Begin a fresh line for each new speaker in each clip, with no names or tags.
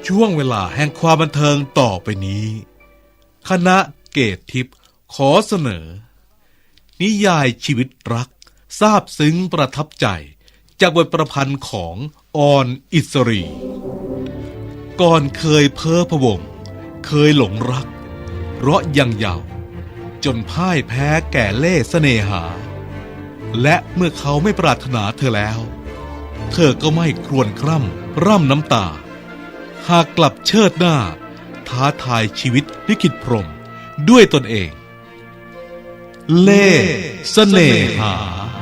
ช่วงเวลาแห่งความบันเทิงต่อไปนี้คณะเกตทิพย์ขอเสนอนิยายชีวิตรักซาบซึ้งประทับใจจากบทประพันธ์ของออนอิสรีก่อนเคยเพ้อพะวงเคยหลงรักเพราะยังเยาว์จนพ่ายแพ้แก่เล่ห์เสน่หาและเมื่อเขาไม่ปรารถนาเธอแล้วเธอก็ไม่ครวญคร่ำร่ำน้ำตาหากกลับเชิดหน้าท้าทายชีวิตลิขิตพรหมด้วยตนเองเล่ห์เสน่หา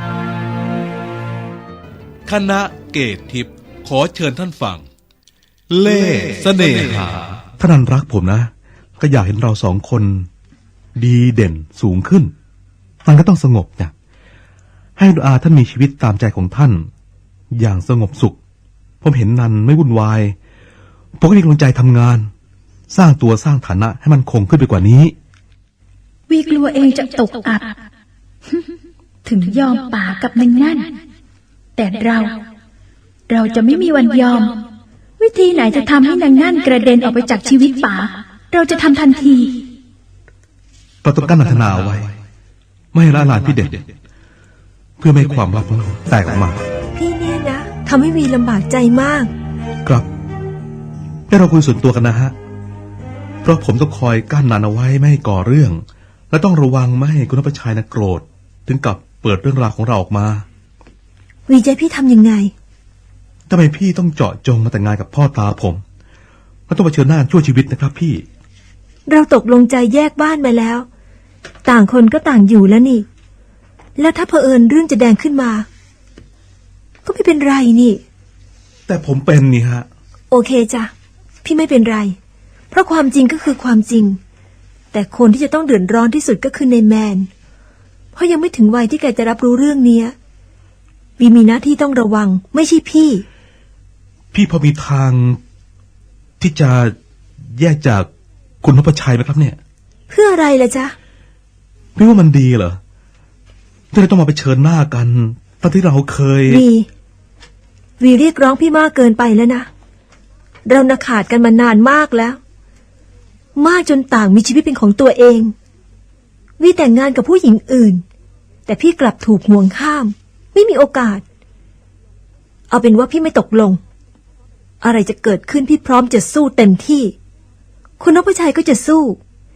คณะเกตทิพย์ขอเชิญท่านฟังเล่ห์เสน่หา
ท่านนั้นรักผมนะก็อยากเห็นเราสองคนดีเด่นสูงขึ้นมันก็ต้องสงบนะให้ดุอาท่านมีชีวิตตามใจของท่านอย่างสงบสุขผมเห็นนันไม่วุ่นวายผมก็มีกำลังใจทำงานสร้างตัวสร้างฐานะให้มันคงขึ้นไปกว่านี้
วีกลัวเองจะตกอับ ถึงยอมป่ากับนางนั่นแต่เราจะไม่มีวันยอมวิธีไหนจะทำให้นางนั่นกระเด็นออกไปจากชีวิตป่าเราจะทำทันที
เราต้องกั้นอัธนาไว้ไม่ให้ละลานพี่เด็ดเพื่อไม่ให้ความลับของเราแตกออกมา
พี่เนี่ยนะทำให้วีลำบากใจมาก
ครับให้เราคุยส่วนตัวกันนะฮะเพราะผมต้องคอยกั้นนันเอาไว้ไม่ให้ก่อเรื่องและต้องระวังไม่ให้คุณนพชัยนะโกรธถึงกับเปิดเรื่องราวของเราออกมา
วีใจพี่ทำยังไง
ทำไมพี่ต้องเจาะจงมาแต่งงานกับพ่อตาผมมันต้องเผชิญหน้าชั่วชีวิตนะครับพี่
เราตกลงใจแยกบ้านมาแล้วต่างคนก็ต่างอยู่แล้วนี่แล้วถ้าเผอิญเรื่องจะแดงขึ้นมาก็ไม่เป็นไรนี่
แต่ผมเป็นนี่ฮะ
โอเคจ้ะพี่ไม่เป็นไรเพราะความจริงก็คือความจริงแต่คนที่จะต้องเดือดร้อนที่สุดก็คือในแมนเพราะยังไม่ถึงวัยที่แกจะรับรู้เรื่องนี้วีมีหน้าที่ต้องระวังไม่ใช่พี่
พอมีทางที่จะแยกจากคุณนพชัยไหมครับเนี่ย
เพื่ออะไรล่ะจ๊ะ
พี่ว่ามันดีเหรอที่เราต้องมาเผชิญหน้ากันตอนที่เราเคย
วีเรียกร้องพี่มากเกินไปแล้วนะเราน่ะขาดกันมานานมากแล้วมากจนต่างมีชีวิตเป็นของตัวเองวีแต่งงานกับผู้หญิงอื่นแต่พี่กลับถูกห่วงข้ามไม่มีโอกาสเอาเป็นว่าพี่ไม่ตกลงอะไรจะเกิดขึ้นพี่พร้อมจะสู้เต็มที่คุณนพชัยก็จะสู้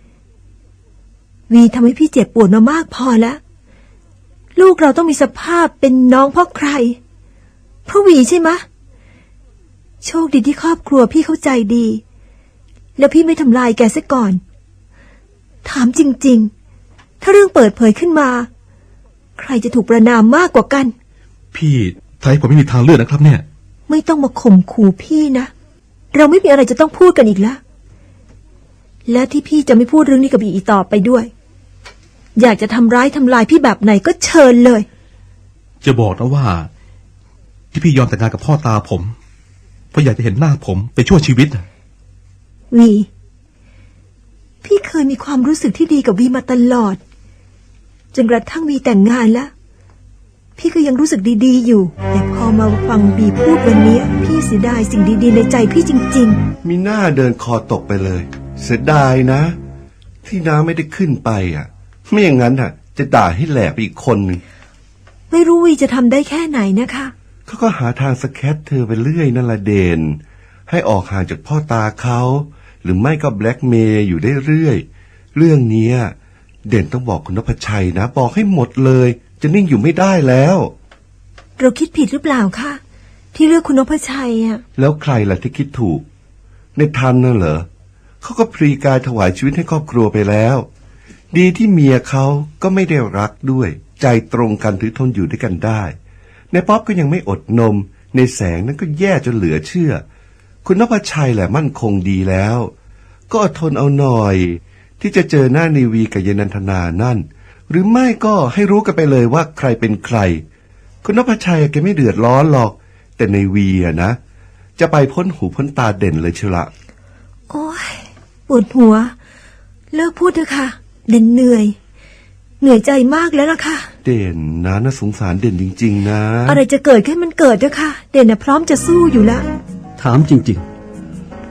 วีทำให้พี่เจ็บปวดมามากพอแล้วลูกเราต้องมีสภาพเป็นน้องเพราะใครเพราะวีใช่ไหมะโชคดีที่ครอบครัวพี่เข้าใจดีแล้วพี่ไม่ทำลายแกซะก่อนถามจริงๆถ้าเรื่องเปิดเผยขึ้นมาใครจะถูกประณามมากกว่ากัน
พี่ถ้าให้ผมไม่มีทางเลือกนะครับเนี่ย
ไม่ต้องมาข่มขู่พี่นะเราไม่มีอะไรจะต้องพูดกันอีกแล้วและที่พี่จะไม่พูดเรื่องนี้กับอีต่อไปด้วยอยากจะทำร้ายทำลายพี่แบบไหนก็เชิญเลย
จะบอกนะว่าที่พี่ยอมแต่งงานกับพ่อตาผมเพราะอยากจะเห็นหน้าผมไปชั่วชีวิต
วีพี่เคยมีความรู้สึกที่ดีกับวีมาตลอดจนกระทั่งวีแต่งงานแล้วพี่ก็ยังรู้สึกดีๆอยู่แต่พอมาฟังบีพูดวันนี้พี่เสียดายสิ่งดีๆในใจพี่จริง
ๆมีหน้าเดินคอตกไปเลยเสียดายนะที่น้าไม่ได้ขึ้นไปไม่อย่างนั้นจะด่าให้แหลกไปอีกคนนึง
ไม่รู้วีจะทำได้แค่ไหนนะคะ
เขาก็หาทางสแคตเธอไปเรื่อยนั่นละเด่นให้ออกห่างจากพ่อตาเขาหรือไม่ก็แบล็กเมย์อยู่ได้เรื่อยเรื่องนี้เด่นต้องบอกคุณนพชัยนะบอกให้หมดเลยจะนิ่งอยู่ไม่ได้แล้ว
เราคิดผิดหรือเปล่าคะที่เลือกคุณนพชัย
แล้วใครล่ะที่คิดถูกในทันน่ะเหรอเขาก็พลีกายถวายชีวิตให้ครอบครัวไปแล้วดีที่เมียเขาก็ไม่ได้รักด้วยใจตรงกันถือทนอยู่ด้วยกันได้ในป๊อปก็ยังไม่อดนมในแสงนั้นก็แย่จนเหลือเชื่อคุณนพชัยแหละมั่นคงดีแล้วก็อดทนเอาหน่อยที่จะเจอหน้าในวีกับยนันทนานั่นหรือไม่ก็ให้รู้กันไปเลยว่าใครเป็นใครคุณนพชัยแกไม่เดือดร้อนหรอกแต่ในวีนะจะไปพ้นหูพ้นตาเด่นเลยเชียวละ
โอ้ยปวดหัวเลิกพูดเถอะค่ะเด่นเหนื่อยใจมากแล้วล่ะค่ะ
เด่นนะน่าสงสารเด่นจริงๆนะ
อะไรจะเกิดขึ้นมันเกิดเถอะค่ะเด่นพร้อมจะสู้อยู่แล้ว
ถามจริงๆ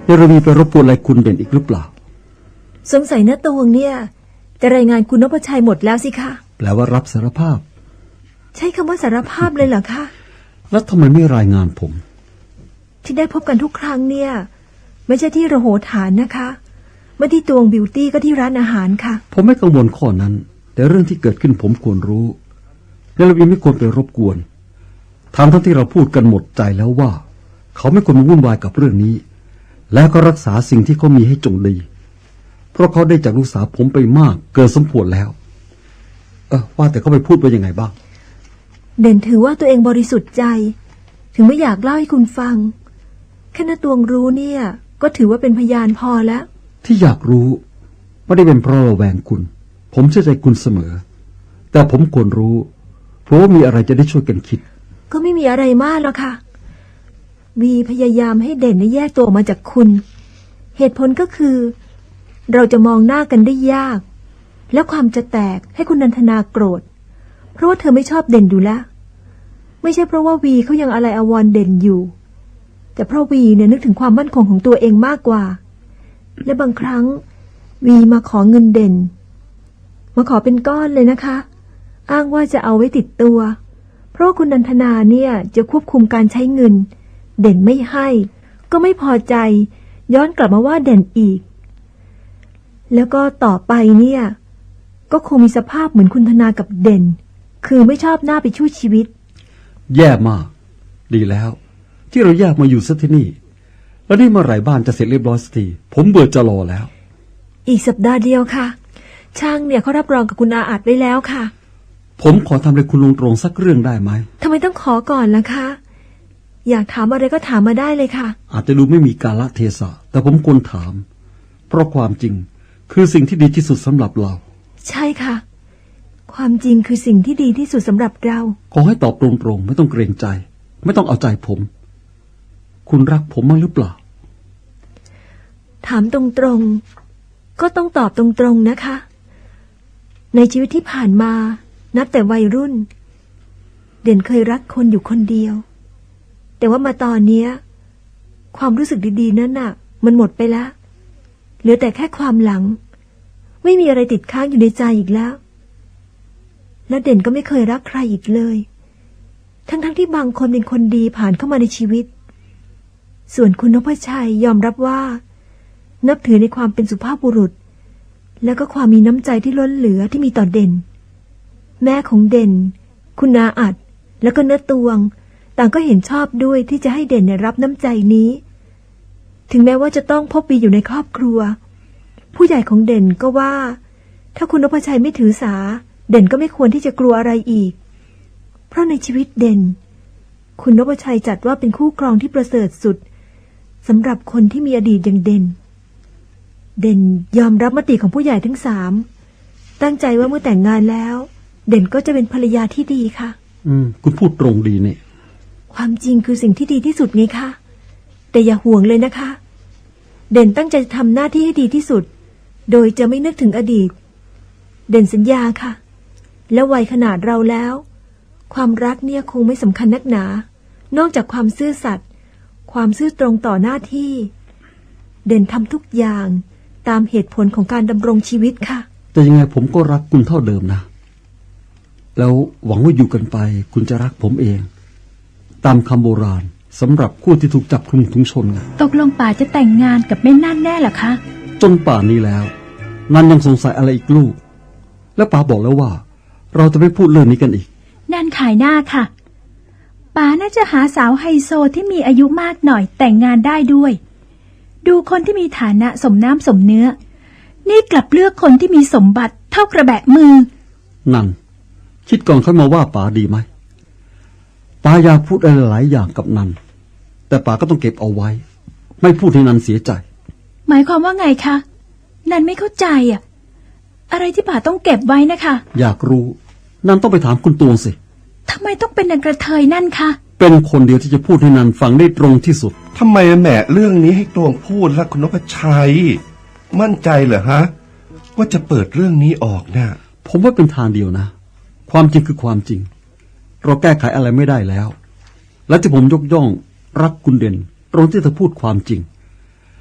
เนรวีไปรบกวนอะไรคุณเด่นอีกหรือเปล่า
สงสัยนะตวงเนี่ยจะรายงานคุณนพชัยหมดแล้วสิคะ
แปลว่ารับสารภาพ
ใช้คำว่าสารภาพเลยเหรอคะ
แล้วทำไมไม่รายงานผม
ที่ได้พบกันทุกครั้งเนี่ยไม่ใช่ที่ระโหฐานนะคะไม่ที่ตวงบิวตี้ก็ที่ร้านอาหารค่ะ
ผมไม่กังวลข้อนั้น แต่เรื่องที่เกิดขึ้นผมควรรู้เนรวีไม่ควรไปรบกวนทั้งที่เราพูดกันหมดใจแล้วว่า เขาไม่ควรมาวุ่นวายกับเรื่องนี้ แล้วก็รักษาสิ่งที่เขามีให้จงดีเพราะเขาได้จากลูกสาวผมไปมากเกินสมควรแล้วว่าแต่เขาไปพูดว่ายังไงบ้าง
เด่นถือว่าตัวเองบริสุทธิ์ใจถึงไม่อยากเล่าให้คุณฟังแค่นาตวงรู้เนี่ยก็ถือว่าเป็นพยานพอแล้ว
ที่อยากรู้ไม่ได้เป็นเพราะระแวงคุณผมเชื่อใจคุณเสมอแต่ผมควรรู้เพราะว่ามีอะไรจะได้ช่วยกันคิด
ก็ไม่มีอะไรมากหรอกค่ะวีพยายามให้เด่นแยกตัวออกมาจากคุณเหตุผลก็คือเราจะมองหน้ากันได้ยากและความจะแตกให้คุณนันทนาโกรธเพราะว่าเธอไม่ชอบเด่นอยู่แล้วไม่ใช่เพราะว่าวีเขายังอะไรอาวรณ์เด่นอยู่แต่เพราะวีเนี่ยนึกถึงความมั่นคงของตัวเองมากกว่าและบางครั้งวีมาขอเงินเด่นมาขอเป็นก้อนเลยนะคะอ้างว่าจะเอาไว้ติดตัวเพราะคุณนันทนาเนี่ยจะควบคุมการใช้เงินเด่นไม่ให้ก็ไม่พอใจย้อนกลับมาว่าเด่นอีกแล้วก็ต่อไปเนี่ยก็คงมีสภาพเหมือนคุณธนากับเด่นคือไม่ชอบหน้าไปช่วยชีวิต
แย่มากดีแล้วที่เราแยกมาอยู่ซะที่นี่แล้วนี่เมื่อไหร่บ้านจะเสร็จเรียบร้อยสักทีผมเบื่อจะรอแล้ว
อีกสัปดาห์เดียวค่ะช่างเนี่ยเขารับรองกับคุณอาอัดไว้แล้วค่ะ
ผมขอทำอะไรคุณลุงตรงสักเรื่องได้ไหม
ทำไมต้องขอก่อนล่ะคะอยากถามอะไรก็ถามมาได้เลยค่ะ
อาจจะดูไม่มีกาลเทศะแต่ผมควรถามเพราะความจริงคือสิ่งที่ดีที่สุดสำหรับเรา
ใช่ค่ะความจริงคือสิ่งที่ดีที่สุดสำหรับเรา
ขอให้ตอบตรงๆไม่ต้องเกรงใจไม่ต้องเอาใจผมคุณรักผมมั้งหรือเปล่า
ถามตรงๆก็ต้องตอบตรงๆนะคะในชีวิตที่ผ่านมานับแต่วัยรุ่นเด่นเคยรักคนอยู่คนเดียวแต่ว่ามาตอนนี้ความรู้สึกดีๆนั้นน่ะมันหมดไปแล้วเหลือแต่แค่ความหลังไม่มีอะไรติดค้างอยู่ในใจอีกแล้วและเด่นก็ไม่เคยรักใครอีกเลยทั้งที่บางคนเป็นคนดีผ่านเข้ามาในชีวิตส่วนคุณนพชัยยอมรับว่านับถือในความเป็นสุภาพบุรุษแล้วก็ความมีน้ำใจที่ล้นเหลือที่มีต่อเด่นแม่ของเด่นคุณนาอัดแล้วก็เนื้อตวงต่างก็เห็นชอบด้วยที่จะให้เด่นรับน้ำใจนี้ถึงแม้ว่าจะต้องพบวีอยู่ในครอบครัวผู้ใหญ่ของเด่นก็ว่าถ้าคุณนพชัยไม่ถือสาเด่นก็ไม่ควรที่จะกลัวอะไรอีกเพราะในชีวิตเด่นคุณนพชัยจัดว่าเป็นคู่ครองที่ประเสริฐสุดสำหรับคนที่มีอดีตอย่างเด่นยอมรับมติของผู้ใหญ่ทั้งสามตั้งใจว่าเมื่อแต่งงานแล้วเด่นก็จะเป็นภรรยาที่ดีค่ะ
คุณพูดตรงดีเนี่ย
ความจริงคือสิ่งที่ดีที่สุดไงคะแต่อย่าห่วงเลยนะคะเด่นตั้งใจทำหน้าที่ให้ดีที่สุดโดยจะไม่นึกถึงอดีตเด่นสัญญาค่ะและวัยขนาดเราแล้วความรักเนี่ยคงไม่สำคัญนักหนานอกจากความซื่อสัตย์ความซื่อตรงต่อหน้าที่เด่นทำทุกอย่างตามเหตุผลของการดำรงชีวิตค่ะ
แต่ยังไงผมก็รักคุณเท่าเดิมนะแล้วหวังว่าอยู่กันไปคุณจะรักผมเองตามคำโบราณสำหรับคู่ที่ถูกจับคลุมถุงชนไง
ตกลงป่าจะแต่งงานกับแม่นั่นแน่เหรอคะ
จนป่านนี้แล้วนันยังสงสัยอะไรอีกลูกและป๋าบอกแล้วว่าเราจะไม่พูดเรื่องนี้กันอีก
นั่นขายหน้าค่ะป่าน่าจะหาสาวไฮโซที่มีอายุมากหน่อยแต่งงานได้ด้วยดูคนที่มีฐานะสมน้ำสมเนื้อนี่กลับเลือกคนที่มีสมบัติเท่ากระแบะมือ
นั่นคิดก่อนค่อยมาว่าป๋าดีไหมป๋าอยากพูดอะไรหลายอย่างกับนันแต่ป๋าก็ต้องเก็บเอาไว้ไม่พูดให้นันเสียใจ
หมายความว่าไงคะนันไม่เข้าใจอ่ะอะไรที่ป๋าต้องเก็บไว้นะคะ
อยากรู้นันต้องไปถามคุณตวงสิ
ทำไมต้องเป็นนางกระเทยนั่นคะ
เป็นคนเดียวที่จะพูดให้นันฟังได้ตรงที่สุด
ทำไมแหมเรื่องนี้ให้ตวงพูดล่ะคุณนพชัยมั่นใจเหรอฮะว่าจะเปิดเรื่องนี้ออกนะ
ผมว่าเป็นทางเดียวนะความจริงคือความจริงเราแก้ไขอะไรไม่ได้แล้วและที่ผมยกย่องรักคุณเด่นตรงที่เธอพูดความจริง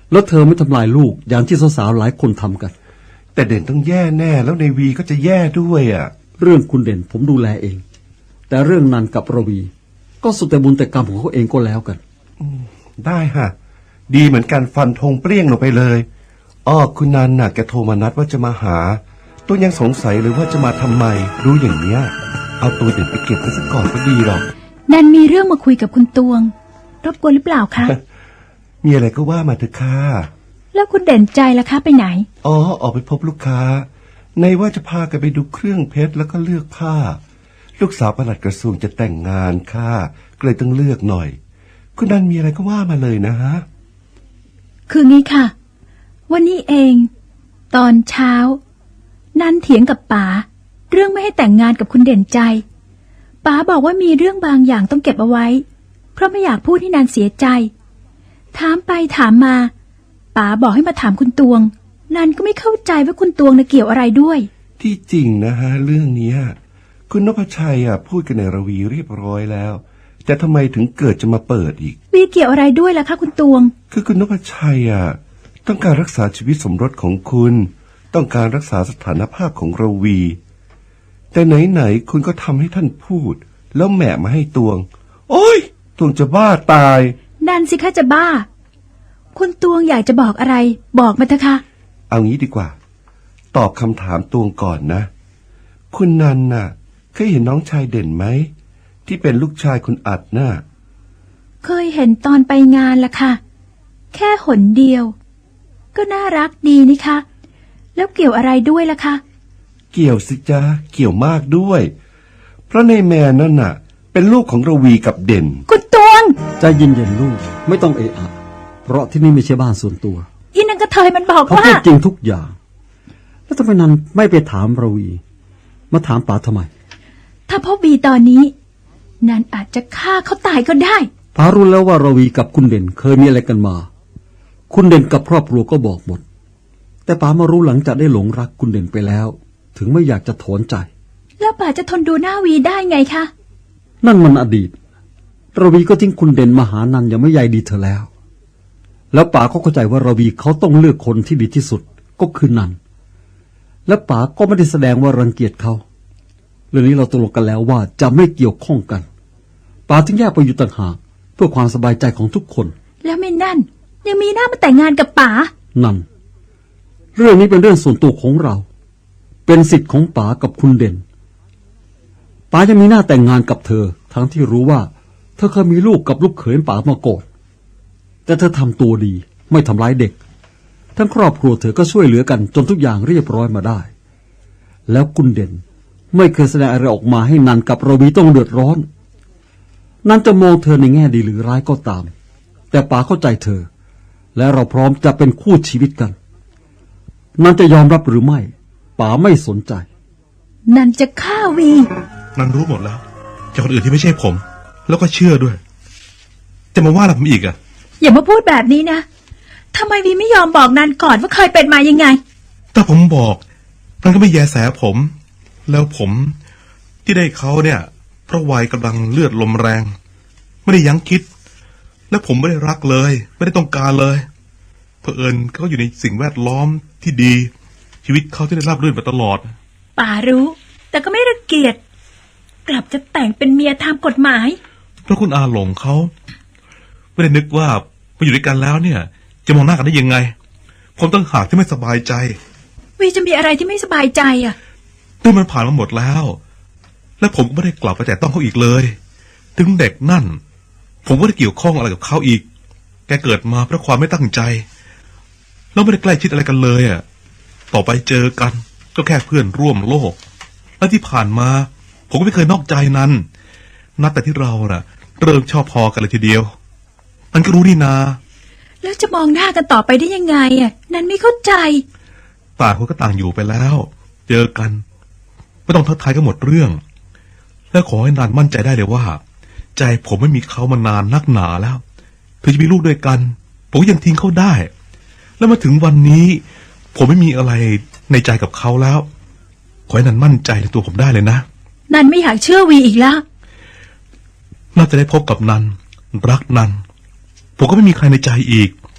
แล้วเธอไม่ทำลายลูกอย่างที่สาวๆหลายคนทำกัน
แต่เด่นต้องแย่แน่แล้วในวีก็จะแย่ด้วยอ่ะ
เรื่องคุณเด่นผมดูแลเอง แต่เรื่องนันกับระวี ก็สุดแต่บุญแต่กรรมของเขาเองก็แล้วกัน
ได้ฮะดีเหมือนกันฟันธงเปรี้ยงลงไปเลยอ้อคุณนันน่ะแกโทรมานัดว่าจะมาหาตัวยังสงสัยเลยว่าจะมาทำไมรู้อย่างเนี้ยเอาตัวเด่นไปเก็บไว้ซะก่อนก็ดีหรอก
นันมีเรื่องมาคุยกับคุณตวง รบกวนหรือเปล่าคะ
มีอะไรก็ว่ามาเถอะค่ะ
แล้วคุณเด่นใจล่ะคะไปไหน
อ๋อออกไปพบลูกค้าในว่าจะพากันไปดูเครื่องเพชรแล้วก็เลือกผ้า ลูกสาวปลัดกระทรวงจะแต่งงานค่ะก็เลยต้องเลือกหน่อย คุณนันมีอะไรก็ว่ามาเลยนะฮะ
คืองี้ค่ะ วันนี้เอง ตอนเช้า นันเถียงกับป๋าเรื่องไม่ให้แต่งงานกับคุณเด่นใจป๋าบอกว่ามีเรื่องบางอย่างต้องเก็บเอาไว้ เพราะไม่อยากพูดให้นันเสียใจ ถามไปถามมาป๋าบอกให้มาถามคุณตวง นันก็ไม่เข้าใจว่าคุณตวงน่ะเกี่ยวอะไรด้วย
ที่จริงนะฮะเรื่องเนี้ยคุณนพชัยพูดกันในระวีเรียบร้อยแล้วแต่ทำไมถึงเกิดจะมาเปิดอีก
วีเกี่ยวอะไรด้วยล่ะคะคุณตวง
คือคุณนพชัยต้องการรักษาชีวิตสมรสของคุณต้องการรักษาสถานภาพของระวี แต่ไหนๆคุณก็ทำให้ท่านพูดแล้วแหมะมาให้ตวง โอ้ยตวงจะบ้าตาย
นันสิคะจะบ้า คุณตวงอยากจะบอกอะไร บอกมาเถอะค่ะ
เอางี้ดีกว่า ตอบคำถามตวงก่อนนะ คุณนันน่ะเคยเห็นน้องชายเด่นไหมที่เป็นลูกชายคุณอัดน่ะ
เคยเห็นตอนไปงานละค่ะ แค่หนเดียว ก็น่ารักดีนี่คะแล้วเกี่ยวอะไรด้วยล่ะคะ
เกี่ยวสิจ๊ะเกี่ยวมากด้วย เพราะในแมนนั่นน่ะ เป็นลูกของระวีกับเด่น
คุณตวง
ใจเย็นๆลูกไม่ต้องเอะอะเพราะที่นี่ไม่ใช่บ้านส่วนตัว
อีนังกระเทยมันบอก
เขา
ว่า
พูดจริงทุกอย่าง แล้วทำไมนันไม่ไปถามระวี มาถามป๋าทำไม
ถ้าพ่อบีตอนนี้ นันอาจจะฆ่าเขาตายก็ได้
ป๋ารู้แล้วว่าระวีกับคุณเด่นเคยมีอะไรกันมา คุณเด่นกับครอบครัวก็บอกหมด แต่ป๋ามารู้หลังจากได้หลงรักคุณเด่นไปแล้ว ถึงไม่อยากจะถอนใจ
แล้วป่าจะทนดูหน้าวีได้ไงคะ
นั่นมันอดีต ระวีก็ทิ้งคุณเด่นมาหานันยังไม่ใยดีเธอแล้ว แล้วป๋าก็เข้าใจว่าระวีเขาต้องเลือกคนที่ดีที่สุดก็คือนัน และป๋าก็ไม่ได้แสดงว่ารังเกียจเขา เรื่องนี้เราตกลงกันแล้วว่าจะไม่เกี่ยวข้องกันป๋าจึงแยกไปอยู่ต่างหากเพื่อความสบายใจของทุกคน
แล้วไม่นั่น ยังมีหน้ามาแต่งงานกับป๋า
นั่น เรื่องนี้เป็นเรื่องส่วนตัวของเรา เป็นสิทธิ์ของป๋ากับคุณเด่นป๋ายังมีหน้าแต่งงานกับเธอ ทั้งที่รู้ว่าเธอเคยมีลูกกับลูกเขยป๋ามาก่อนแต่เธอทำตัวดีไม่ทำร้ายเด็ก ทั้งครอบครัวเธอก็ช่วยเหลือกันจนทุกอย่างเรียบร้อยมาได้ แล้วคุณเด่นไม่เคยแสดงอะไรออกมาให้นันกับระวีต้องเดือดร้อน นันจะมองเธอในแง่ดีหรือร้ายก็ตาม แต่ป๋าเข้าใจเธอ และเราพร้อมจะเป็นคู่ชีวิตกัน นันจะยอมรับหรือไม่ป๋าไม่สนใจ
นันจะฆ่าวี
นันรู้หมดแล้วจากคนอื่นที่ไม่ใช่ผม แล้วก็เชื่อด้วย จะมาว่าอะไรผมอีกอะ
อย่ามาพูดแบบนี้นะทำไมวีไม่ยอมบอกนันก่อนว่าเคยเป็นมายังไง
ถ้าผมบอกมันก็ไม่แยแสผม แล้วผมที่ได้เขาเนี่ย เพราะวัยกำลังเลือดลมแรง ไม่ได้ยั้งคิด และผมไม่ได้รักเลย ไม่ได้ต้องการเลยเผอิญเขาอยู่ในสิ่งแวดล้อมที่ดี ชีวิตเขาที่ได้ราบรื่นมาตลอด
ป่ารู้ แต่ก็ไม่รังเกียจกลับจะแต่งเป็นเมียตามกฎหมาย
เพราะคุณอาหลงเขาไม่ได้นึกว่ามาอยู่ด้วยกันแล้วเนี่ย จะมองหน้ากันได้ยังไง ผมต้องหากที่ไม่สบายใจ
วีจะมีอะไรที่ไม่สบายใจอ่ะ
เรื่องมันผ่านมาหมดแล้ว และผมก็ไม่ได้กลับไปแต่ต้องเขาอีกเลย ถึงเด็กนั่น ผมก็ได้เกี่ยวข้องอะไรกับเขาอีก แกเกิดมาเพราะความไม่ตั้งใจแล้วไม่ได้ใกล้ชิดอะไรกันเลยอ่ะต่อไปเจอกันก็แค่เพื่อนร่วมโลก และที่ผ่านมา ผมก็ไม่เคยนอกใจนั้นนับแต่ที่เราน่ะ เริ่มชอบพอกันเลยทีเดียวมันก็รู้นี่นา
แล้วจะมองหน้ากันต่อไปได้ยังไงอ่ะนันไม่เข้าใจ
ต่างคนก็ต่างอยู่ไปแล้ว เจอกันไม่ต้องทักทายกันหมดเรื่อง และขอให้นานมั่นใจได้เลยว่า ใจผมไม่มีเขามานานนักหนาแล้วถึงจะมีลูกด้วยกันผมก็ยังทิ้งเขาได้ แล้วมาถึงวันนี้ ผมไม่มีอะไรในใจกับเขาแล้ว ขอให้นันมั่นใจในตัวผมได้เลยนะ
นันไม่อยากเชื่อวีอีกแล้ว
น่าจะได้พบกับนันรักนันผมก็ไม่มีใครในใจอีก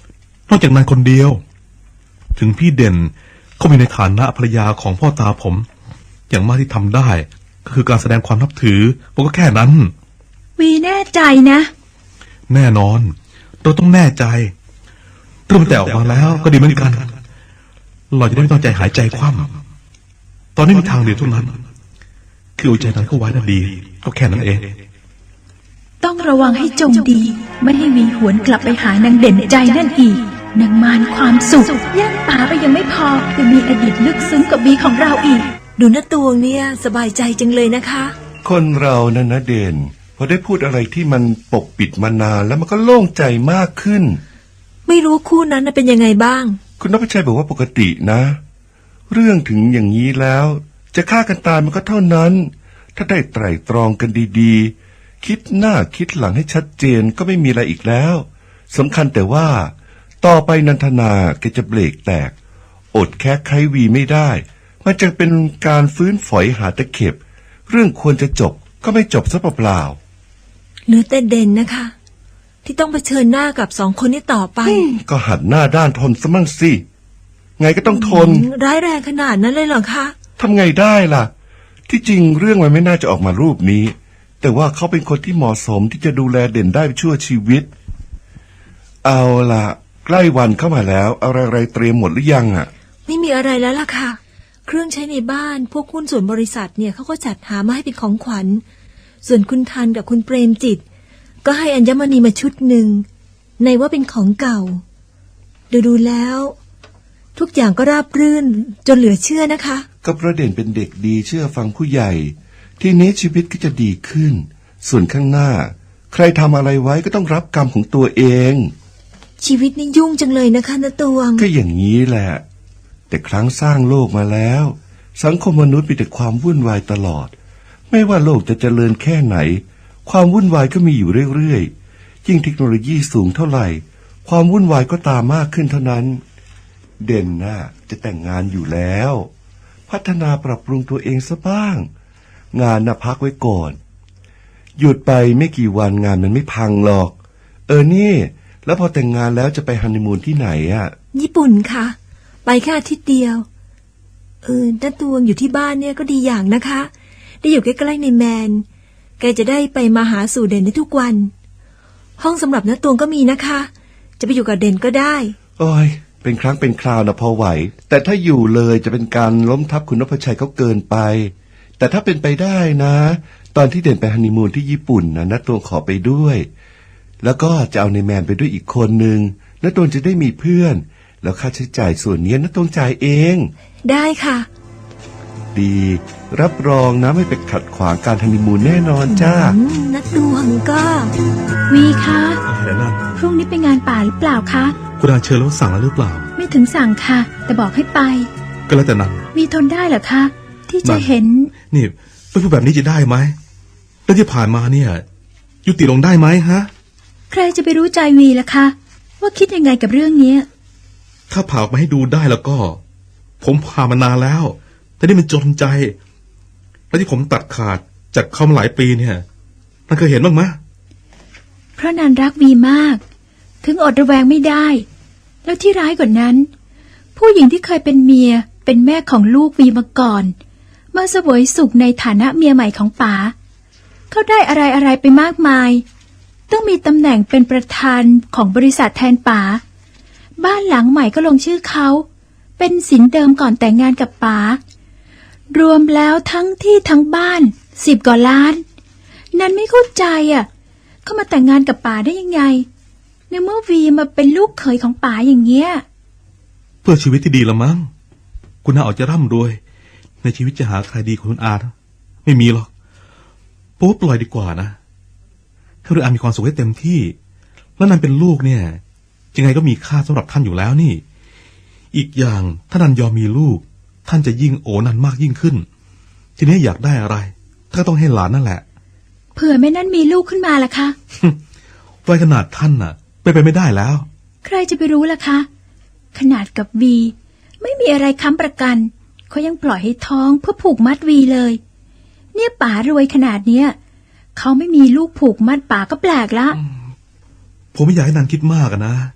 นอกจากนั้นคนเดียว ถึงพี่เด่นเขามีในฐานะภรรยาของพ่อตาผม อย่างมากที่ทำได้ก็คือการแสดงความนับถือผมก็แค่นั้น
วีแน่ใจนะ
แน่นอนเราต้องแน่ใจเรื่องมันแต่ออกมาแล้วก็ดีเหมือนกันเราจะได้ไม่ต้องใจหายใจคว่ำตอนนี้มีทางเดียวเท่านั้นคือเอาใจนั้นเข้าไว้นั่นดีก็แค่นั้นเอง
ต้องระวังให้จงดี ไม่ให้วีหวนกลับไปหานางเด่นใจนั่นอีกนางมารความสุขแย่งป๋าไปยังไม่พอยังมีอดีตลึกซึ้งกับวีของเราอีก
ดูน้าตวงเนี่ยสบายใจจังเลยนะคะ
คนเรานั่นนะเด่นพอได้พูดอะไรที่มันปกปิดมานานแล้วมันก็โล่งใจมากขึ้น
ไม่รู้คู่นั้นน่ะเป็นยังไงบ้าง
คุณนพชัยบอกว่าปกตินะ เรื่องถึงอย่างนี้แล้ว จะฆ่ากันตายมันก็เท่านั้น ถ้าได้ไตร่ตรองกันดีๆ คิดหน้าคิดหลังให้ชัดเจนก็ไม่มีอะไรอีกแล้วสำคัญแต่ว่าต่อไปนันทนาแกจะเบรกแตกอดแค่ไขวีไม่ได้มันจะเป็นการฟื้นฝอยหาตะเข็บเรื่องควรจะจบก็ไม่จบซะเปล่า
เหลือแต่เด่นนะคะ ที่ต้องเผชิญหน้ากับสองคนนี้ต่อไป
ๆก็หัดหน้าด้านทนซะมั่งสิไงก็ต้องทน
ร้ายแรงขนาดนั้นเลยเหรอคะ
ทำไงได้ล่ะ ที่จริงเรื่องมันไม่น่าจะออกมารูปนี้ แต่ว่าเขาเป็นคนที่เหมาะสมที่จะดูแลเด่นได้ชั่วชีวิต เอาล่ะ ใกล้วันเข้ามาแล้วอะไรๆเตรียมหมดหรือยังอ่ะ
ไม่มีอะไรแล้วล่ะค่ะ เครื่องใช้ในบ้านพวกหุ้นส่วนบริษัทเนี่ยเขาก็จัดหามาให้เป็นของขวัญ ส่วนคุณทันกับคุณเปรมจิต ก็ให้อัญมณีมาชุดหนึ่งในว่าเป็นของเก่า ดูแล้ว ทุกอย่างก็ราบรื่นจนเหลือเชื่อนะคะ
ก็เพราะเด่นเป็นเด็กดีเชื่อฟังผู้ใหญ่ ทีนี้ชีวิตก็จะดีขึ้น ส่วนข้างหน้า ใครทำอะไรไว้ก็ต้องรับกรรมของตัวเอง
ชีวิตนี่ยุ่งจังเลยนะคะณตวง
ก็อย่างนี้แหละ แต่ครั้งสร้างโลกมาแล้ว สังคมมนุษย์มีแต่ความวุ่นวายตลอด ไม่ว่าโลกจะเจริญแค่ไหน ความวุ่นวายก็มีอยู่เรื่อยๆยิ่งเทคโนโลยีสูงเท่าไหร่ ความวุ่นวายก็ตามมากขึ้นเท่านั้น เด่นน่ะจะแต่งงานอยู่แล้ว พัฒนาปรับปรุงตัวเองซะบ้าง งานน่ะพักไว้ก่อน หยุดไปไม่กี่วันงานมันไม่พังหรอก นี่ แล้วพอแต่งงานแล้วจะไปฮันนีมูนที่ไหนอ่ะ
ญี่ปุ่นค่ะ ไปแค่อาทิตย์เดียวณตวงอยู่ที่บ้านเนี่ยก็ดีอย่างนะคะ ได้อยู่ใกล้ๆในแมน แกจะได้ไปมาหาสู่เด่นได้ทุกวัน ห้องสำหรับณตวงก็มีนะคะ จะไปอยู่กับเด่นก็ได้
โอ้ยเป็นครั้งเป็นคราวนะพอไหว แต่ถ้าอยู่เลยจะเป็นการล้มทับคุณนพชัยเขาเกินไป แต่ถ้าเป็นไปได้นะ ตอนที่เด่นไปฮันนีมูนที่ญี่ปุ่นนะณตวงขอไปด้วย แล้วก็จะเอาในแมนไปด้วยอีกคนนึงณตวงจะได้มีเพื่อน แล้วค่าใช้จ่ายส่วนนี้ณตวงจ่ายเอง
ได้ค่ะ
ดี รับรองนะไม่ไปขัดขวางการฮันนีมูนแน่นอนจ้า
ณตวงก็
วีคะ
อะไรนั่น
พรุ่งนี้ไปงานป่าหรือเปล่าคะ
คุณอาเชิญแล้วสั่งแล้วหรือเปล่า
ไม่ถึงสั่งค่ะ แต่บอกให้ไป
ก็แล้วแต่นั้น
วีทนได้เหรอคะ ที่จะเห็น
นี่ไม่พูดแบบนี้จะได้ไหมแล้วที่ผ่านมาเนี่ย ยุติลงได้ไหมฮะ
ใครจะไปรู้ใจวีล่ะคะ ว่าคิดยังไงกับเรื่องนี้
ถ้าผ่าออกมาให้ดูได้แล้วก็ ผมผ่ามานานแล้ว แต่นี่มันจนใจ แล้วที่ผมตัดขาดจากเขามาหลายปีเนี่ย มันเคยเห็นบ้างไหม
เพราะนันรักวีมาก ถึงอดระแวงไม่ได้ แล้วที่ร้ายกว่านั้น ผู้หญิงที่เคยเป็นเมียเป็นแม่ของลูกวีมาก่อนมาเสวยสุขในฐานะเมียใหม่ของป๋าเขาได้อะไรไปมากมาย ต้องมีตำแหน่งเป็นประธานของบริษัทแทนป๋าบ้านหลังใหม่ก็ลงชื่อเขาเป็นสินเดิมก่อนแต่งงานกับป๋ารวมแล้วทั้งที่ทั้งบ้าน10 กว่าล้านนันไม่เข้าใจเขามาแต่งงานกับป๋าได้ยังไงในเมื่อวีมาเป็นลูกเขยของป๋าอย่างเงี้ย
เพื่อชีวิตที่ดีละมั้งคุณอาออกจะร่ำรวย ในชีวิตจะหาใครดีกว่าคุณอาไม่มีหรอกปุ๊บปล่อยดีกว่านะให้คุณอามีความสุขให้เต็มที่แล้วนันเป็นลูกเนี่ยยังไงก็มีค่าสำหรับท่านอยู่แล้วนี่อีกอย่างถ้านันยอมมีลูกท่านจะยิ่งโอนันมากยิ่งขึ้นทีนี้อยากได้อะไรท่านก็ต้องให้หลานนั่นแหละ
เผื่อแม่นั่นมีลูกขึ้นมาล่ะคะ
วัยขนาดท่านน่ะเป็นไปไม่ได้แล้ว
ใครจะไปรู้ล่ะคะขนาดกับวีไม่มีอะไรค้ำประกันเขายังปล่อยให้ท้องเพื่อผูกมัดวีเลยเนี่ยป๋ารวยขนาดเนี้ยเขาไม่มีลูกผูกมัดป๋าก็แปลกละ
ผมไม่อยากให้นันคิดมากนะ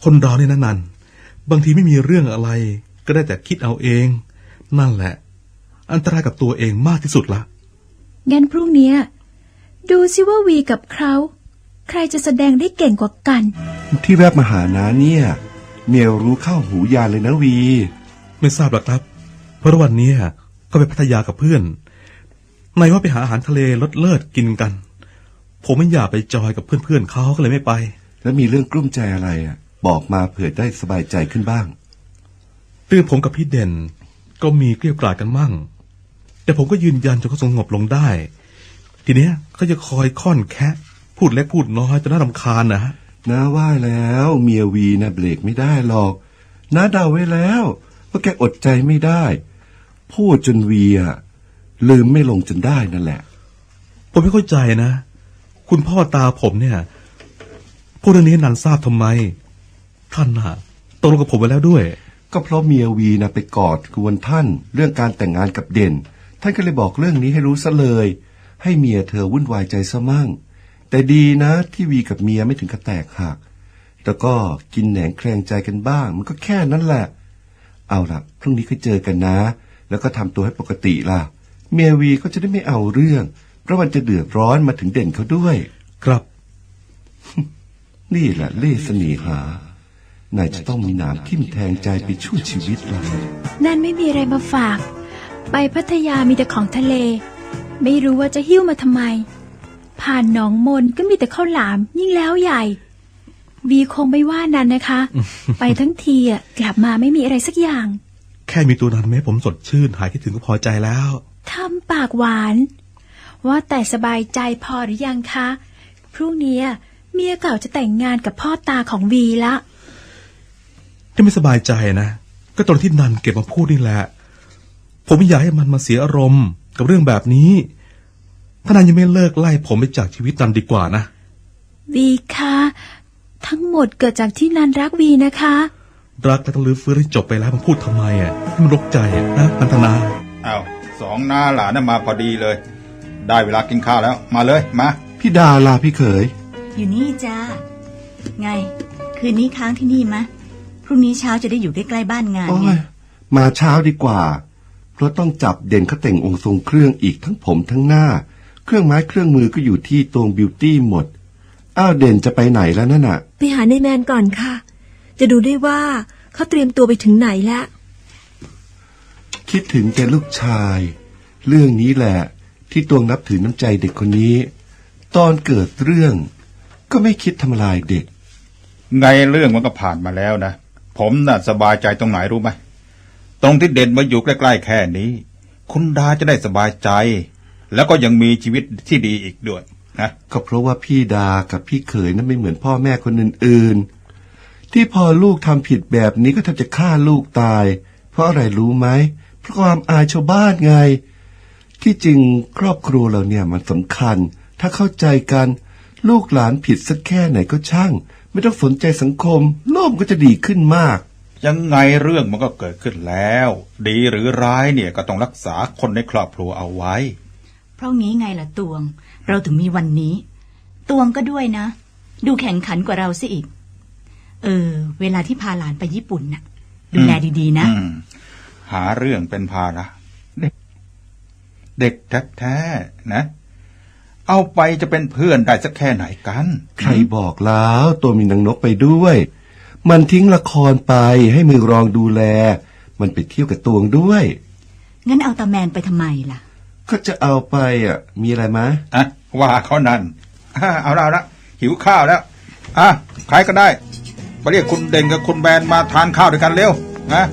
คนเราเนี่ยนันบางทีไม่มีเรื่องอะไรก็ได้แต่คิดเอาเอง นั่นแหละ อันตรายกับตัวเองมากที่สุดละ
งั้นพรุ่งนี้ดูซิว่าวีกับเขาใครจะแสดงได้เก่งกว่ากัน
ที่แวบมาหาน้าเนี่ยเมียรู้เข้าหูยานเลยนะวี
ไม่ทราบหรอกครับ เพราะวันนี้ก็ไปพัทยากับเพื่อนนายว่าไปหาอาหารทะเลรสเลิศกินกัน ผมไม่อยากไปจอยกับเพื่อนๆเขาก็เลยไม่ไป
แล้วมีเรื่องกลุ้มใจอะไรบอกมาเผื่อได้สบายใจขึ้นบ้าง
ตื่นผมกับพี่เด่นก็มีเกลี้ยกล่อมกันมั่ง แต่ผมก็ยืนยันจนเขาสงบลงได้ ทีเนี้ยเขาจะคอยค่อนแคะพูดเล็กพูดน้อยจนน่ารำคาญนะฮะ
น้าว่าแล้วเมียวีนะเบรกไม่ได้หรอกน้าเดาไว้แล้วว่าแกอดใจไม่ได้ พูดจนวีลืมไม่ลงจนได้นั่นแหละ
ผมไม่เข้าใจนะ คุณพ่อตาผมเนี่ยพูดเรื่องนี้ให้นันทราบทำไม ท่านตกลงกับผมไว้แล้วด้วย
ก็เพราะเมียวีไปกอดกวนท่านเรื่องการแต่งงานกับเด่นท่านก็เลยบอกเรื่องนี้ให้รู้ซะเลย ให้เมียเธอวุ่นวายใจซะมั่งแต่ดีนะที่วีกับเมียไม่ถึงกับแตกหักแต่ก็กินแหนงแคลงใจกันบ้างมันก็แค่นั้นแหละเอาล่ะพรุ่งนี้ก็เจอกันนะ แล้วก็ทำตัวให้ปกติล่ะเมียวีก็จะได้ไม่เอาเรื่องเพราะมันจะเดือดร้อนมาถึงเด่นเขาด้วย
ครับ
นี่แหละเล่ห์เสน่หานายจะต้องมีหนามทิ่มแทงใจไปชั่วชีวิตล่ะ
นั่นไม่มีอะไรมาฝาก ไปพัทยามีแต่ของทะเล ไม่รู้ว่าจะหิ้วมาทำไม ผ่านหนองมนก็มีแต่ข้าวหลามยิ่งแล้วใหญ่วีคงไม่ว่านั้นนะคะ ไปทั้งทีกลับมาไม่มีอะไรสักอย่าง
แค่มีตัวนั้นแม้ผมสดชื่นหายคิดถึงก็พอใจแล้ว
ทำปากหวาน ว่าแต่สบายใจพอหรือยังคะพรุ่งนี้เมียเก่าจะแต่งงานกับพ่อตาของวีละ
ที่ไม่สบายใจนะก็ตอนที่นันเก็บมาพูดนี่แหละผมไม่อยากให้มันมาเสียอารมณ์กับเรื่องแบบนี้ถ้านันยังไม่เลิกไล่ผมไปจากชีวิตนันดีกว่านะ
วีคะทั้งหมดเกิดจากที่นันรักวีนะคะ
รักและต้องลื้อฟื้นให้จบไปแล้วมันพูดทำไมให้มันรกใจนะพันธนา
อ้าวสองน้าหลานมาพอดีเลย ได้เวลากินข้าวแล้วมาเลยมา
พี่ดาลาพี่เขย
อยู่นี่จ้าไงคืนนี้ค้างที่นี่มะพรุ่งนี้เช้าจะได้อยู่ใกล้ๆบ้านงานไง
มาเช้าดีกว่าเพราะต้องจับเด่นเขาแต่งองค์ทรงเครื่องอีกทั้งผมทั้งหน้าเครื่องไม้เครื่องมือก็อยู่ที่ตวงบิวตี้หมดอ้าวเด่นจะไปไหนแล้วนั่นน่ะ
ไปหาในแมนก่อนค่ะจะดูได้ว่าเขาเตรียมตัวไปถึงไหนแล้ว
คิดถึงแต่ลูกชายเรื่องนี้แหละที่ตวงนับถือน้ำใจเด็กคนนี้ตอนเกิดเรื่องก็ไม่คิดทำลายเด็ก
ไงเรื่องมันก็ผ่านมาแล้วนะผมน่ะสบายใจตรงไหนรู้ไหมตรงที่เด่นมาอยู่ใกล้ๆแค่นี้คุณดาจะได้สบายใจแล้วก็ยังมีชีวิตที่ดีอีกด้วยนะ
ก็เพราะว่าพี่ดากับพี่เขยนั้นไม่เหมือนพ่อแม่คนอื่นๆที่พอลูกทำผิดแบบนี้ก็แทบจะฆ่าลูกตายเพราะอะไรรู้ไหมเพราะความอายชาวบ้านไงที่จริงครอบครัวเราเนี่ยมันสำคัญถ้าเข้าใจกันลูกหลานผิดสักแค่ไหนก็ช่างไม่ต้องสนใจสังคมโลกก็จะดีขึ้นมาก
ยังไงเรื่องมันก็เกิดขึ้นแล้วดีหรือร้ายเนี่ยก็ต้องรักษาคนในครอบครัวเอาไว้
เพราะงี้ไงล่ะตวงเราถึงมีวันนี้ตวงก็ด้วยนะดูแข่งขันกว่าเราซะอีกเวลาที่พาหลานไปญี่ปุ่นน่ะดูแลดีๆนะ
หาเรื่องเป็นภาระเด็กแท้ๆนะเอาไปจะเป็นเพื่อนได้สักแค่ไหนกัน
ใครบอกแล้วตัวมีนางนกไปด้วยมันทิ้งละครไปให้มือรองดูแลมันไปเที่ยวกับตวงด้วย
งั้นเอาตาแมนไปทำไมล่ะ
ก็จะเอาไปมีอะไรมะ
ว่าเขานั่นเอาละหิวข้าวแล้วใครก็ได้มาเรียกคุณเด่นกับคุณแมนมาทานข้าวด้วยกันเร็วนะ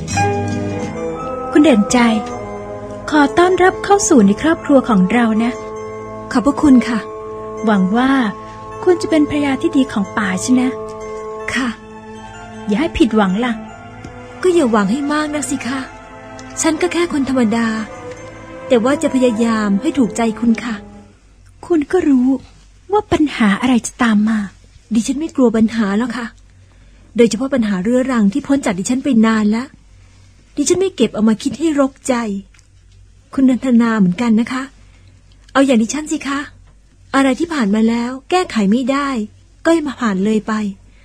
คุณเด่นใจขอต้อนรับเข้าสู่ในครอบครัวของเรานะ
ขอบพระคุณค่ะ
หวังว่าคุณจะเป็นภรรยาที่ดีของป่าใช่นะ
ค่ะ
อย่าให้ผิดหวังล่ะ
ก็อย่าหวังให้มากนักสิคะฉันก็แค่คนธรรมดาแต่ว่าจะพยายามให้ถูกใจคุณค่ะ
คุณก็รู้ว่าปัญหาอะไรจะตามมา
ดิฉันไม่กลัวปัญหาแล้วค่ะโดยเฉพาะปัญหาเรื้อรังที่พ้นจากดิฉันไปนานแล้วดิฉันไม่เก็บเอามาคิดให้รกใจคุณนันทนาเหมือนกันนะคะเอาอย่างดิฉันสิคะอะไรที่ผ่านมาแล้วแก้ไขไม่ได้ก็ให้มาผ่านเลยไปเพ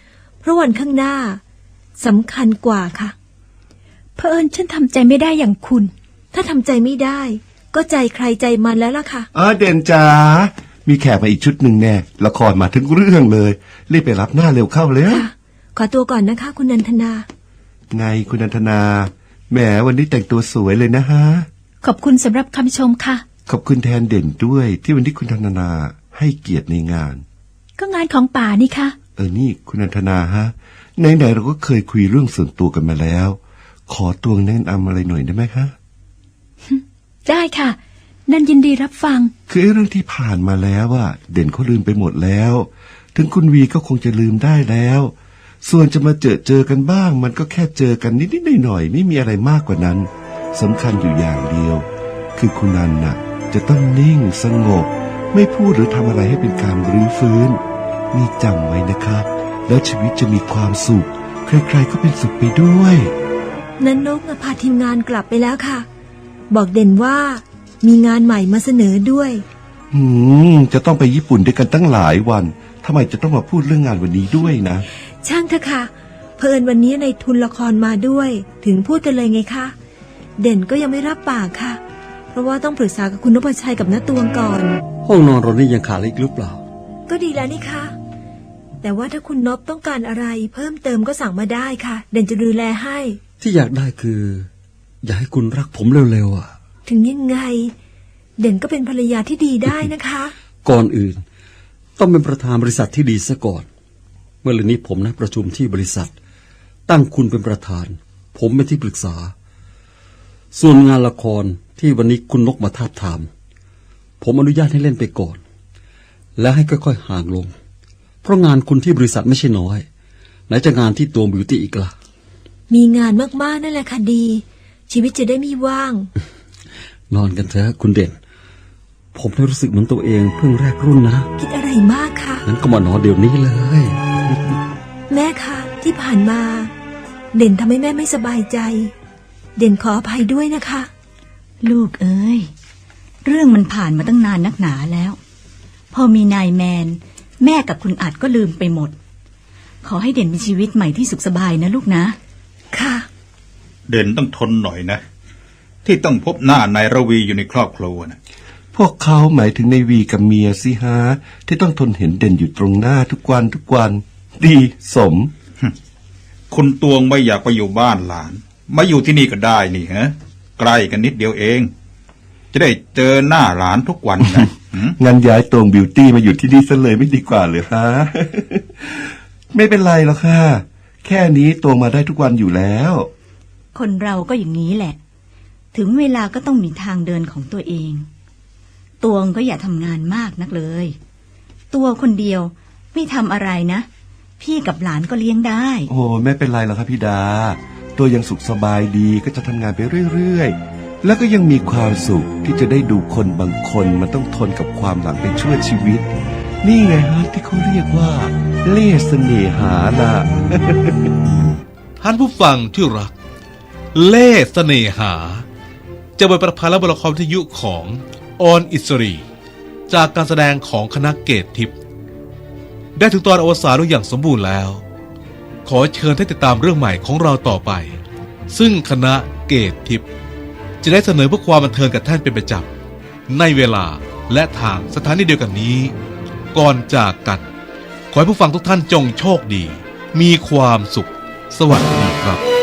ราะวันข้างหน้าสำคัญกว่าค่ะ
เผอิญฉันทำใจไม่ได้อย่างคุณ
ถ้าทำใจไม่ได้ ก็ใจใครใจมันแล้วล่ะค่ะ
เด่นจ๋ามีแขกมาอีกชุดหนึ่งแน่ละครมาถึงเรื่องเลยรีบไปรับหน้าเร็วเข้าเลย
ค่ะ ขอตัวก่อนนะคะ คุณนันทนา
ไงคุณนันทนาแหมวันนี้แต่งตัวสวยเลยนะฮะ
ขอบคุณสำหรับคำชมค่ะ
ขอบคุณแทนเด่นด้วยที่วันนี้คุณนันทนาให้เกียรติในงาน
ก็งานของป่านี่ค่ะ
นี่คุณนันทนาฮะไหนๆเราก็เคยคุยเรื่องส่วนตัวกันมาแล้ว ขอตวงแนะนำอะไรหน่อยได้ไหมคะ
ได้ค่ะ นันยินดีรับฟัง
คือเรื่องที่ผ่านมาแล้วเด่นเขาลืมไปหมดแล้ว ถึงคุณวีก็คงจะลืมได้แล้ว ส่วนจะมาเจอกันบ้าง มันก็แค่เจอกันนิดๆหน่อยๆไม่มีอะไรมากกว่านั้นสำคัญอยู่อย่างเดียว คือคุณนันน่ะจะต้องนิ่งสงบ ไม่พูดหรือทำอะไรให้เป็นการรื้อฟื้นนี่จำไว้นะครับแล้วชีวิตจะมีความสุขใครๆก็เป็นสุขไปด้วย
นันนกพาทีมงานกลับไปแล้วค่ะ บอกเด่นว่ามีงานใหม่มาเสนอด้วย
จะต้องไปญี่ปุ่นด้วยกันตั้งหลายวันทำไมจะต้องมาพูดเรื่องงานวันนี้ด้วยนะ
ช่างเถอะค่ะเผอิญวันนี้ในทุนละครมาด้วย ถึงพูดกันเลยไงคะเด่นก็ยังไม่รับปากค่ะ เพราะว่าต้องปรึกษากับคุณนพชัยกับน้าตวงก่อน
ห้องนอนเรานี่ยังขาดอะไรอีกหรือเปล่า
ก็ดีแล้วนี่คะแต่ว่าถ้าคุณนพต้องการอะไรเพิ่มเติมก็สั่งมาได้ค่ะ เด่นจะดูแลให้
ที่อยากได้คือ อยากให้คุณรักผมเร็วๆ
ถึงยังไง เด่นก็เป็นภรรยาที่ดีได้นะคะ
ก่อนอื่น ต้องเป็นประธานบริษัทที่ดีซะก่อน เมื่อเร็วนี้ผมนัดประชุมที่บริษัท ตั้งคุณเป็นประธาน ผมเป็นที่ปรึกษา ส่วนงานละครที่วันนี้คุณนกมาทาบทาม ผมอนุญาตให้เล่นไปก่อน และให้ค่อยๆห่างลง เพราะงานคุณที่บริษัทไม่ใช่น้อยไหนจะงานที่ตัวบิวตี้อีกล่ะ
มีงานมากๆนั่นแหละค่ะดี ชีวิตจะได้ไม่ว่าง
นอนกันเถอะคุณเด่น ผมได้รู้สึกเหมือนตัวเองเพิ่งแรกรุ่นนะ
คิดอะไรมากคะ
งั้นก็มานอนเดี๋ยวนี้เลย
แม่คะที่ผ่านมา เด่นทำให้แม่ไม่สบายใจ เด่นขออภัยด้วยนะคะ
ลูกเอ้ย เรื่องมันผ่านมาตั้งนานนักหนาแล้ว พอมีนายแมน แม่กับคุณอัดก็ลืมไปหมด ขอให้เด่นมีชีวิตใหม่ที่สุขสบายนะลูกนะ
ค่ะ
เด่นต้องทนหน่อยนะ ที่ต้องพบหน้านายระวีอยู่ในครอบครัวนะ
พวกเขาหมายถึงในวีกับเมียสิฮะที่ต้องทนเห็นเด่นอยู่ตรงหน้าทุกวันดีสม
คุณตวงไม่อยากไปอยู่บ้านหลานมาอยู่ที่นี่ก็ได้นี่ฮะใกล้กันนิดเดียวเอง จะได้เจอหน้าหลานทุกวันนะ
งั้นย้ายตวงบิวตี้มาอยู่ที่นี่ซะเลยไม่ดีกว่าเลยฮะ ไม่เป็นไรหรอกค่ะแค่นี้ตวงมาได้ทุกวันอยู่แล้ว
คนเราก็อย่างนี้แหละ ถึงเวลาก็ต้องมีทางเดินของตัวเอง ตวงก็อย่าทำงานมากนักเลย ตัวคนเดียวไม่ทำอะไรนะ พี่กับหลานก็เลี้ยงได้
โอ้ไม่เป็นไรหรอกครับพี่ดา ตัวยังสุขสบายดีก็จะทำงานไปเรื่อยๆแล้วก็ยังมีความสุขที่จะได้ดูคนบางคนมันต้องทนกับความหลังไปชั่วชีวิต นี่ไงฮะที่เขาเรียกว่าเล่ห์เสน่หาน่ะ
ท่านผู้ฟังที่รัก เล่ห์เสน่หา จะเป็นประพันธ์และบทละครวิทยุของออนอิสรีจากการแสดงของคณะเกตทิพย์ได้ถึงตอนอวสานอย่างสมบูรณ์แล้ว ขอเชิญให้ติดตามเรื่องใหม่ของเราต่อไป ซึ่งคณะเกตทิพย์จะได้เสนอเพื่อความบันเทิงกับท่านเป็นประจำในเวลาและทางสถานีเดียวกันนี้ ก่อนจากกันขอให้ผู้ฟังทุกท่านจงโชคดี มีความสุข สวัสดีครับ